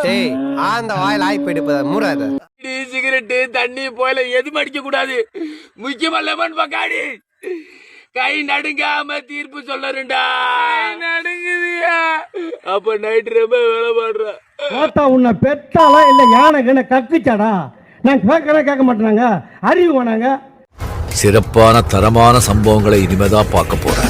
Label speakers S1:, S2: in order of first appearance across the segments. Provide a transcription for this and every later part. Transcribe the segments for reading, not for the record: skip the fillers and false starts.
S1: டேய் அந்த வாயில் ஆய் போயிட்டு மூடாத.
S2: சிகரெட்டு தண்ணி போயில எதுவும் அடிக்க கூடாது. முக்கியமா லெமன் பக்காடி. கை நடுங்காம தீர்ப்பு சொல்லறா. நடுங்குதியா? அப்ப நைட் ரொம்ப வேலை பாடுற.
S3: போட்டா உன்னை பெத்தாலா இல்ல யானை கக்குச்சாடா? நான் கேட்க மாட்டேனாங்க, அறிவு வேணாங்க.
S4: சிறப்பான தரமான சம்பவங்களை இனிமேதான் பார்க்க போறேன்.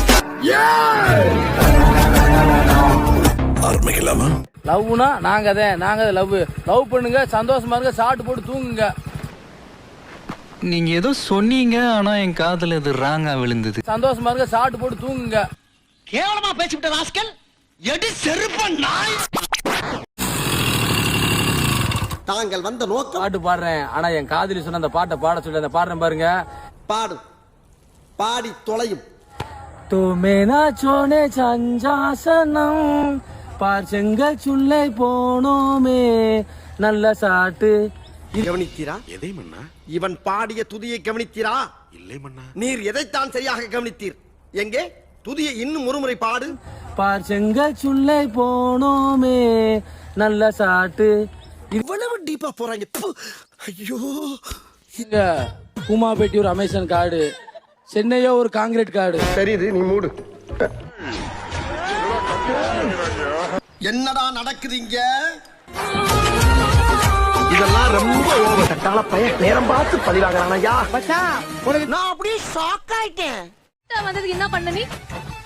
S4: ஆரம்பிக்கலாமா?
S5: லவ்னா நாங்க லவ் பண்ணுங்க, சந்தோஷமா இருங்க, சாப்பிட்டு போட்டு தூங்குங்க.
S6: நீங்க ஏதோ சொன்னீங்க, ஆனா என் காதுல இது ராங்கா விழுந்தது.
S5: சந்தோஷமா இருங்க, சாப்பிட்டு போட்டு தூங்குங்க.
S3: கேவலமா பேசிவிட்ட ராஸ்கல், எடி செருப்ப நாய். தாங்கள் வந்த நோக்கம்
S5: பாட்டு பாடுறேன், ஆனா என் காதலி சொன்ன அந்த பாட்டை பாட சொல்லி அந்த பாடுறேன் பாருங்க.
S3: பாடு, பாடி தொலையும்.
S5: தூமேனா சோனே சஞ்சாசனம் பார்ச்செங்கல் சுல்லை போனோமே நல்ல சாட்டு.
S3: கவனித்தீரா?
S4: எதை மன்னா?
S3: இவன் பாடிய துதியை கவனித்தீரா?
S4: இல்லை மன்னா.
S3: நீர் எதைத்தான் சரியாக கவனித்தீர்? எங்கே துதியை இன்னும் ஒருமுறை பாடு.
S5: பார்ச்செங்கல் சுல்லை போனோமே நல்ல சாட்டு.
S3: இவ்வளவு டீப்பா போறாங்க. ஐயோ,
S5: இங்க குமாபேட்டி ஒரு அமேசான் காடு, சென்னையோ ஒரு காங்கிரீட் காடு.
S3: தெரியுது, நீ மூடு. என்னடா நடக்குது இங்க? இதெல்லாம் ரொம்ப ஓவர். கட்டால பையன் நேரம் பார்த்து பதிவாகிறானையா. நான் அப்படியே ஷாக் ஆயிட்டேன்.
S7: வந்ததுக்கு என்ன பண்ண நீ?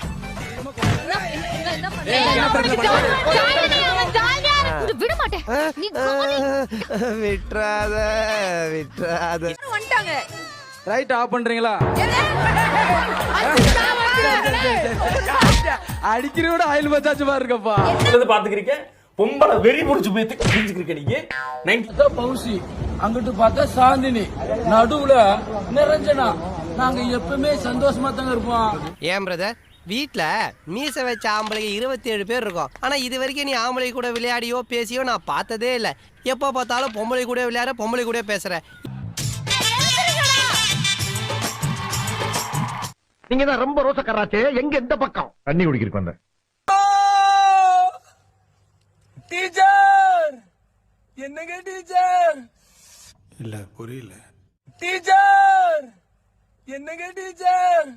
S7: விட மாட்டேன்.
S1: விட்றாத விட்றாத.
S7: வந்துட்டாங்க.
S5: ரைட் ஆஃப் பண்றீங்களா? அடிக்கிறோட ஆயில் பச்சாச்சு பாருங்கப்பா.
S2: பாத்துக்கிறீங்க பொம்பளை வெறி முடிச்சு போய் கிழிஞ்சுக்கிறீங்க நீங்க.
S5: பவுசி அங்கிட்டு பார்த்தா சாந்தினி, நடுவுல நிரஞ்சனா. நாங்க எப்பவுமே சந்தோஷமா தாங்க இருப்போம்.
S1: ஏன் பிரதர், வீட்டுல மீச வச்ச ஆம்பளைங்க 27 பேர் இருக்கும். ஆனா இது வரைக்கும் நீ ஆம்பளை கூட விளையாடியோ பேசியோ நான் பார்த்ததே இல்லை. எப்போ பார்த்தாலும் பொம்பளை கூட விளையாட, பொம்பளை கூட பேசுற.
S3: நீங்க தான் ரொம்ப ரோசக்காராச்சே. எங்க எந்த பக்கம்
S4: தண்ணி குடிக்கிறதுக்கு வந்தேன்.
S5: டீச்சர் என்னங்க டீச்சர்?
S4: இல்ல புரியல.
S5: டீச்சர் என்னங்க டீச்சர்?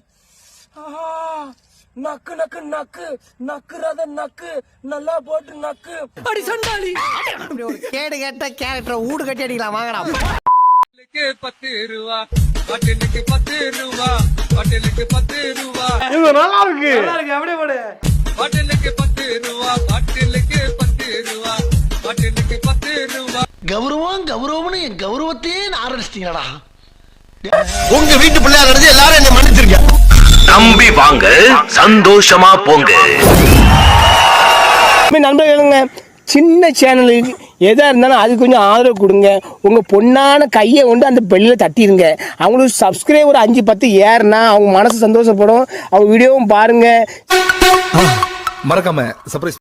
S5: நக்கு நக்கு நக்கு நக்குறத நக்கு நல்லா போட்டு நக்கு. அடி சண்டாளி.
S1: கேடு கேட்ட கேரக்டர் ஊடு கட்டி அடிக்கலாம். வாங்கடா.
S5: 10 ரூபா ஹோட்டலுக்கு 10 ரூபா, ஹோட்டலுக்கு 10 ரூபா.
S3: இது நல்லா இருக்கு.
S5: நல்லா இருக்கு, அப்படியே போடு. ஹோட்டலுக்கு 10 ரூபா, ஹோட்டலுக்கு 10 ரூபா, ஹோட்டலுக்கு 10 ரூபா.
S3: கௌரவம் கௌரவம்னு என் கௌரவத்தையே ஆரம்பிச்சிட்டீங்களா?
S4: உங்க வீட்டு பிள்ளையா நடந்து எல்லாரும் என்ன மன்னிச்சிருக்க. நம்பி வாங்க, சந்தோஷமா போங்க.
S8: நண்பர்களுங்க, சின்ன சேனலுக்கு எதாக இருந்தாலும் அது கொஞ்சம் ஆதரவு கொடுங்க. உங்கள் பொண்ணான கையை கொண்டு அந்த பெல்லில் தட்டிடுங்க. அவங்களுக்கு சப்ஸ்கிரைபர் 5-10 ஏறுனா அவங்க மனசு சந்தோஷப்படும். அவங்க வீடியோவும் பாருங்கள்.
S4: மறக்காம சர்ப்ரைஸ்